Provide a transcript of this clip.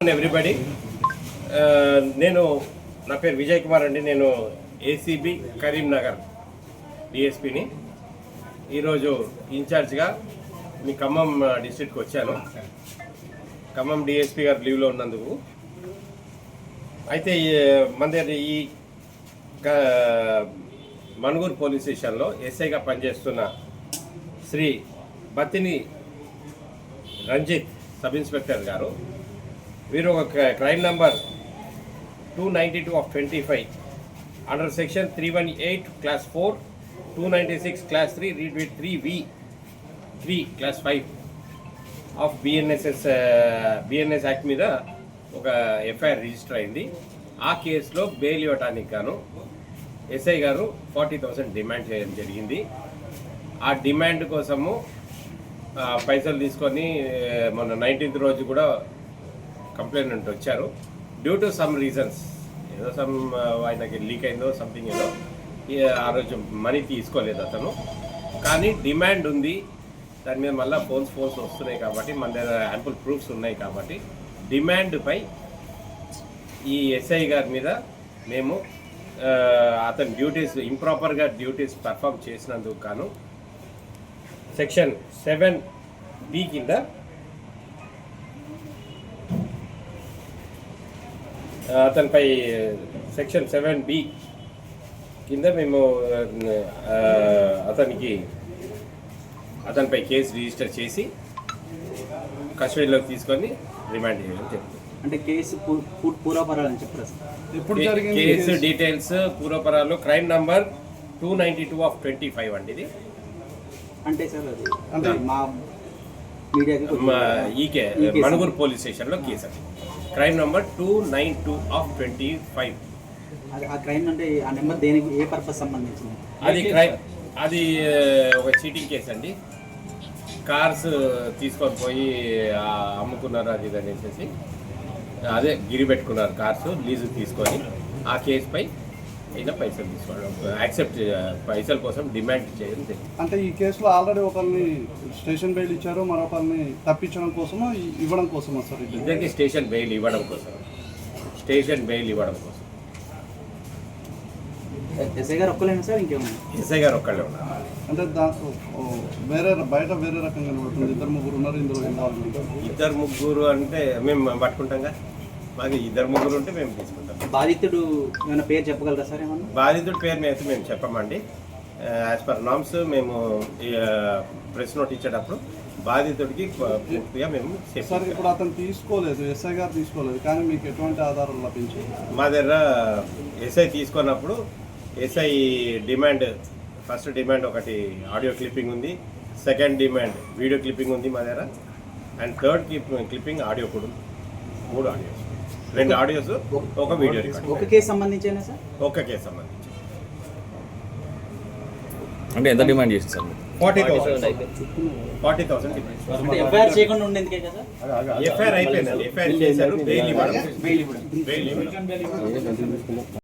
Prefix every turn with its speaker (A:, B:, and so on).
A: Afternoon everybody. నేను నా పేరు విజయ్ కుమార్ అండి. నేను ఏసీబీ కరీంనగర్ డిఎస్పీని. ఈరోజు ఇన్ఛార్జ్గా మీ ఖమ్మం డిస్ట్రిక్ట్కి వచ్చాను. ఖమ్మం డిఎస్పీ గారు లీవ్లో ఉన్నందుకు. అయితే మన దగ్గర ఈ మణుగూరు పోలీస్ స్టేషన్లో ఎస్ఐగా పనిచేస్తున్న శ్రీ బత్తిని రంజిత్ సబ్ ఇన్స్పెక్టర్ గారు, వీరు ఒక crime number 292/25 under section 318 clause 4, 296 clause 3, read with 3V3 clause 5 of BNS act మీద ఒక ఎఫ్ఐఆర్ రిజిస్టర్ అయింది. ఆ కేసులో బెయిల్ ఇవ్వటానికి గాను ఎస్ఐ గారు 40,000 డిమాండ్ చేయడం జరిగింది. ఆ డిమాండ్ కోసము పైసలు తీసుకొని మొన్న 19th రోజు కూడా కంప్లైంట్ వచ్చారు. డ్యూ టు సమ్ రీజన్స్, ఏదో ఆయనకి లీక్ అయిందో సంథింగ్ ఏదో, ఆ రోజు మనీ తీసుకోలేదు అతను. కానీ డిమాండ్ ఉంది, దాని మీద మళ్ళీ ఫోన్స్ వస్తున్నాయి కాబట్టి మన దగ్గర యాంపుల్ ప్రూఫ్స్ ఉన్నాయి కాబట్టి డిమాండ్పై ఈ ఎస్ఐ గారి మీద మేము అతని డ్యూటీస్ ఇంప్రాపర్గా పర్ఫామ్ చేసినందుకు గాను సెక్షన్ 7B కింద అతనిపై సెక్షన్ 7B కింద మేము అతనిపై కేసు రిజిస్టర్ చేసి కస్టడీలోకి తీసుకొని రిమాండ్ చేయడం జరుగుతుంది.
B: అంటే కేసు పూర్వపరాలు అని చెప్పారు.
A: కేసు డీటెయిల్స్ పూర్వపరాలు క్రైమ్ నంబర్ 292/25 అండి. ఇది
B: అంటే సార్ అది అంటే మా మీడియాకి
A: ఈకే మణుగూరు పోలీస్ స్టేషన్లో కేసు అది క్రైమ్ నంబర్ 292/25.
B: ఆ క్రైమ్ అంటే ఆ నెంబర్ దేనికి, ఏ పర్పస్ సంబంధించింది?
A: అది ఒక చీటింగ్ కేసు అండి. కార్స్ తీసుకొని పోయి అమ్ముకున్నారు అది ఇది అనేసి, అదే గిరి పెట్టుకున్నారు కార్స్ లీజు తీసుకొని. ఆ కేసుపై అయినా పైసలు తీసుకోవడం, యాక్సెప్ట్ పైసల కోసం డిమాండ్ చేయడం జరిగింది.
C: అంటే ఈ కేసులో ఆల్రెడీ ఒకరిని స్టేషన్ బెయిల్ ఇచ్చారు, మరొకరిని తప్పించడం కోసమో ఇవ్వడం కోసమా సార్?
A: ఇద్దరికి స్టేషన్ బెయిల్ ఇవ్వడం కోసం.
B: ఎస్ఐ గారు ఒక్కలేనా సార్, ఇంకేమన్నా?
A: ఎస్ఐ గారు ఒక్కళ్ళే ఉన్నారు.
C: అంటే దాంట్లో బయట వేరే రకంగా కనబడుతుంది. 2-3 ఉన్నారు ఇందులో ఇన్వాల్వ్మెంట్.
A: 2-3 అంటే మేము పట్టుకుంటాంగా. మాకు 2-3 ఉంటే మేము తీసుకుంటాం.
B: బాధితుడు ఏమైనా పేరు చెప్పగలరా సార్? ఏమన్నా
A: బాధితుడి పేరు అయితే మేము చెప్పమండి. యాజ్ పర్ నామ్స్ మేము ప్రెస్ నోట్ ఇచ్చేటప్పుడు బాధితుడికి పూర్తిగా మేము
C: సార్ ఇప్పుడు అతను తీసుకోలేదు, ఎస్ఐ గారు తీసుకోలేదు, కానీ మీకు ఎటువంటి ఆధారాలు లభించాయి?
A: మా దగ్గర ఎస్ఐ తీసుకున్నప్పుడు ఎస్ఐ డిమాండ్, ఫస్ట్ డిమాండ్ ఒకటి ఆడియో క్లిప్పింగ్ ఉంది, సెకండ్ డిమాండ్ వీడియో క్లిప్పింగ్ ఉంది మా దగ్గర, అండ్ థర్డ్ క్లిప్పింగ్ ఆడియో కూడా ఉంది. 3 ఆడియోస్, 2 ఆడియోస్, ఒక వీడియో రికార్డ్.
B: ఒక కేసు సంబంధించేనా సార్?
A: ఒక కేసు సంబంధించి.
D: అంటే ఎంత డిమాండ్ చేస్తుంది సార్?
A: 40,000
B: ఎఫ్ఐఆర్ చేయకుండా ఉండేందుకే కదా?
A: ఎఫ్ఐఆర్ అయిపోయిందండి. ఎఫ్ఐఆర్ చేశారు, బెయిల్ ఇవ్వడం.